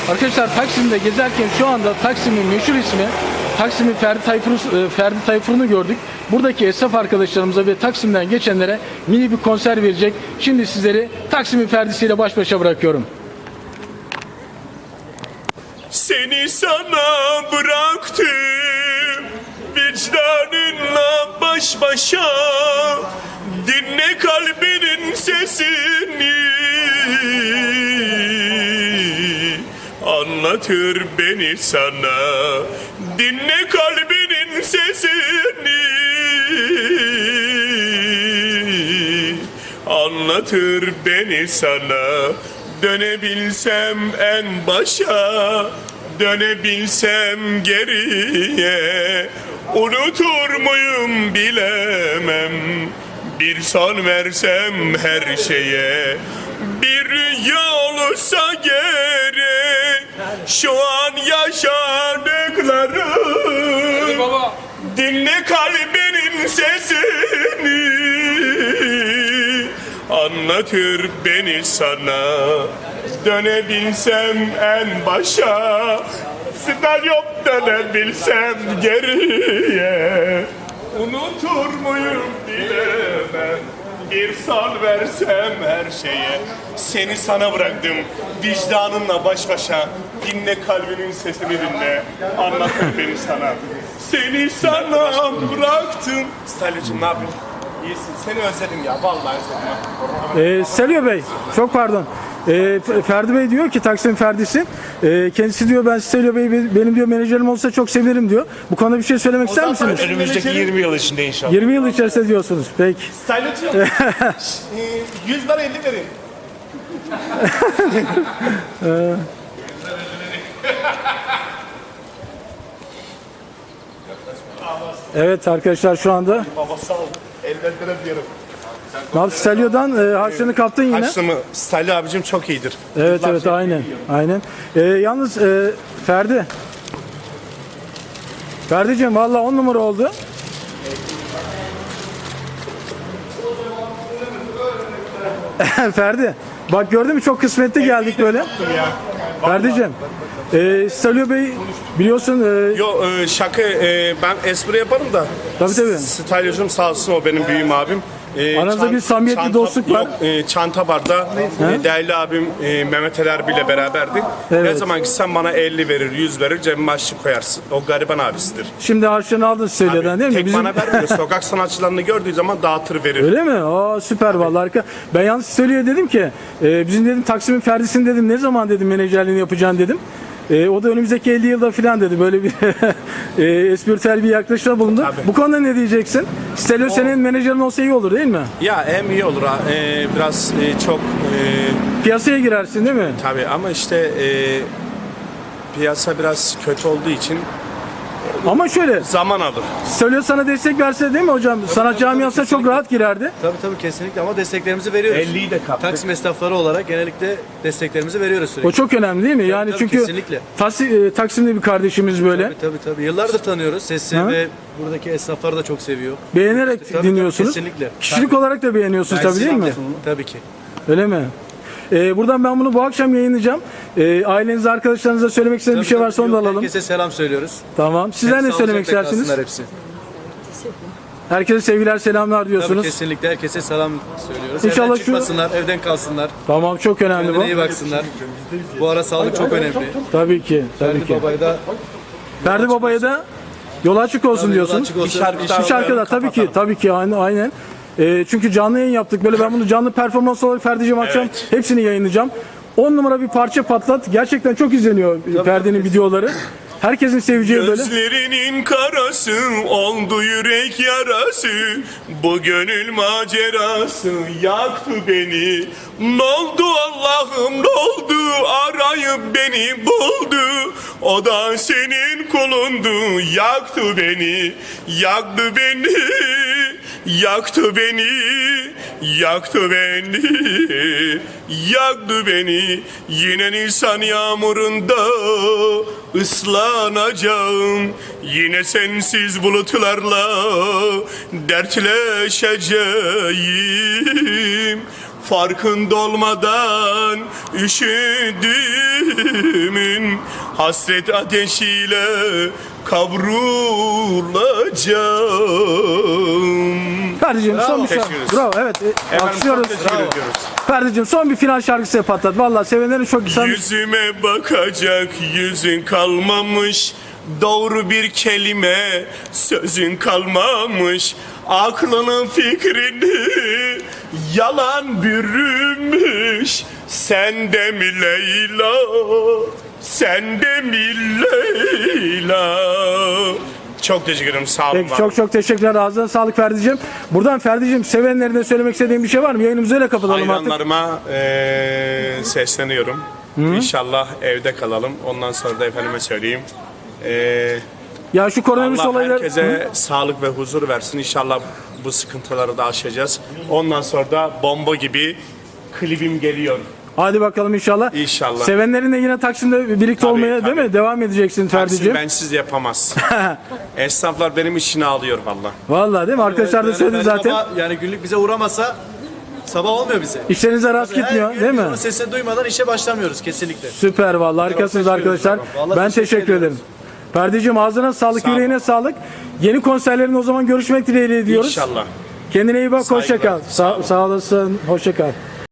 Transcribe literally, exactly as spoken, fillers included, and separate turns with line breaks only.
Arkadaşlar Taksim'de gezerken şu anda Taksim'in meşhur ismi Taksim'in Ferdi Tayfur'u Ferdi Tayfur'unu gördük. Buradaki esnaf arkadaşlarımıza ve Taksim'den geçenlere mini bir konser verecek. Şimdi sizleri Taksim'in Ferdi'siyle baş başa bırakıyorum.
Seni sana bıraktım, vicdanınla baş başa, dinle kalbinin sesini, anlatır beni sana, dinle kalbinin sesini, anlatır beni sana. Dönebilsem en başa, dönebilsem geriye, unutur muyum bilemem, bir son versem her şeye. Bir rüya olursa gerek şu an yaşadıklarım, dinle kalbinin sesini, anlatır beni sana. Dönebilsem en başa, stadyum dönebilsem geriye, unutur muyum bilemem, bir son versem her şeye. Seni sana bıraktım, vicdanınla baş başa, dinle kalbinin sesini dinle, anlatır beni sana. Seni sana bıraktım. Stadyumcum ne yapıyorsun? İyisin, seni özledim ya, vallahi özledim.
Ee, Selio Bey, çok pardon. Ee, Ferdi Bey diyor ki Taksim Ferdi'si. Ee, kendisi diyor ben Selio Bey benim diyor menajerim olsa çok sevinirim diyor. Bu konuda bir şey söylemek ister misiniz?
Önümüzdeki yirmi yıl içinde inşallah.
yirmi yıl içerisinde diyorsunuz. Peki.
Style'cığım, yüz lira elli verin.
Evet arkadaşlar şu anda
Baba sağ ol. Elden diyorum.
Selio'dan e, harçlığını kaptın yine.
Harçlığımı Style abicim çok iyidir.
Evet evet aynen. Aynen. Ee, yalnız e, Ferdi. Ferdi'cim valla on numara oldu. Ferdi. Bak gördün mü çok kısmetli geldik böyle. Ferdi'cim. E, Selio Bey biliyorsun. E,
Yo e, şaka e, ben espri yaparım da.
Tabii tabii.
Style'cım sağ olsun o benim büyüğüm abim. E,
Aranızda bir samimiyetli
çanta,
dostluk var.
Yok, e, çanta barda e, değerli abim e, Mehmet Ali Erbil ile beraberdi.
Evet.
Ne zaman gitsen bana elli verir, yüz verir, cebime açlık koyarsın. O gariban abisidir.
Şimdi harçlığını aldın Selio'dan değil mi?
Tek
Bizim...
bana vermiyor. Sokak sanatçılarını gördüğü zaman dağıtır verir.
Öyle mi? Aa süper vallahi harika. Ben yalnız Selio'ya dedim ki e, bizim dedim Taksim'in Ferdi'sini dedim ne zaman dedim menajerliğini yapacaksın dedim. E, o da önümüzdeki elli yılda falan dedi. Böyle bir e, espritüel bir yaklaşımda bulundu.
Tabii.
Bu konuda ne diyeceksin? Selio senin menajerin olsa iyi olur değil mi?
Ya hem iyi olur ha. E, biraz e, çok e,
Piyasaya girersin değil mi?
tabii ama işte e, piyasa biraz kötü olduğu için
Ama şöyle
zaman alır.
Selio sana destek verse değil mi hocam? Sanat camiasına çok rahat girerdi.
Tabii tabii kesinlikle ama desteklerimizi veriyoruz.
elliyi de kaptık.
Taksim esnafları olarak genellikle desteklerimizi veriyoruz sürekli.
O çok önemli değil mi? Yani
tabii,
çünkü
kesinlikle.
Tasi- e, Taksim'de bir kardeşimiz böyle.
Tabii tabii tabii. Yıllardır tanıyoruz. Sesi
Ha?
ve buradaki esnafları da çok seviyor.
Beğenerek
Tabii,
dinliyorsunuz.
kesinlikle.
Kişilik
Tabii.
olarak da beğeniyorsunuz tabii değil mi?
Tabii ki.
Öyle mi? Ee, buradan ben bunu bu akşam yayınlayacağım. Ee, ailenize, arkadaşlarınıza söylemek istediğiniz bir şey
Tabii,
varsa onu da
yok,
alalım.
Herkese selam söylüyoruz.
Tamam. Sizler
Hep
ne söylemek
sağlıcakla
istersiniz?
kalsınlar hepsi.
Herkese sevgiler, selamlar
Tabii
diyorsunuz.
kesinlikle herkese selam söylüyoruz.
İnşallah
evden
şu-
çıkmasınlar, evden kalsınlar.
Tamam, çok önemli
Kendine
bu.
iyi baksınlar. Bu ara sağlık çok önemli.
Tabii ki, tabii
Ferdi
ki.
Baba'yı da
Ferdi Baba'ya da yol açık olsun
Tabii, yol
diyorsun.
açık olsun.
Bir şarkı, bir şarkı da tabii ki, tabii ki aynen. aynen. Ee, çünkü canlı yayın yaptık. Böyle ben bunu canlı performans olarak Ferdi'cim akşam
Evet.
hepsini yayınlayacağım. on numara bir parça patlat. Gerçekten çok izleniyor Ferdi'nin videoları. Herkesin seveceği böyle.
Gözlerinin karası oldu yürek yarası, bu gönül macerası yaktı beni. N'oldu Allah'ım n'oldu, arayıp beni buldu, o da senin kulundu, yaktı beni, yaktı beni, yaktı beni, yaktı beni, yaktı beni. Yine Nisan yağmurunda ıslanacağım, yine sensiz bulutlarla dertleşeceğim. farkında olmadan üşüdüğümün hasret ateşiyle kavrulacağım.
Kardeşim son bir şarkı.
Teşekkür ederiz.
Bravo, evet. E,
Efendim,
alkışlıyoruz.
çok teşekkür ediyoruz.
Kardeşim son bir final şarkısı patlat. Vallahi sevenlerin çok güzel.
Yüzüme bakacak yüzün kalmamış, doğru bir kelime sözün kalmamış, aklının fikrini yalan bürümüş. Sen de mi Leyla, sen de mi Leyla? Çok teşekkür ederim, sağ olun.
Peki, çok çok teşekkürler. Ağzına sağlık Ferdi'cim. Buradan Ferdi'cim sevenlerine söylemek istediğin bir şey var mı? Yayınımızı öyle kapatalım artık.
Hayranlarıma eee, sesleniyorum. İnşallah evde kalalım. Ondan sonra da efendime söyleyeyim. Eee
Ya şu koronavirüs
Allah
olayları...
herkese sağlık ve huzur versin. İnşallah bu sıkıntıları da aşacağız. Ondan sonra da bomba gibi klibim geliyor.
Hadi bakalım inşallah.
İnşallah.
Sevenlerinle yine Taksim'de birlikte
Tabii,
olmaya
tabii.
değil mi? Devam edeceksin
Taksim
Ferdi'cim.
bensiz yapamaz. Esnaflar benim işini alıyor valla.
Vallahi değil mi? Arkadaşlar da
Yani
söyledi
Ferdi
zaten.
Baba, yani günlük bize uğramasa sabah olmuyor bize.
İşlerinize rast gitmiyor
Her gün
değil
biz
mi?
onun sesini duymadan işe başlamıyoruz kesinlikle.
Süper vallahi harikasınız arkadaşlar.
Vallahi
Ben
teşekkür
teşekkür ederim.
ediyoruz.
Ferdi'cim ağzına sağlık,
Sağ ol.
yüreğine sağlık. Yeni konserlerin o zaman görüşmek dileğiyle diyoruz.
İnşallah.
Kendine iyi bak, hoşça
Saygılar.
kal. Sağ, sağ olasın, hoşça kal.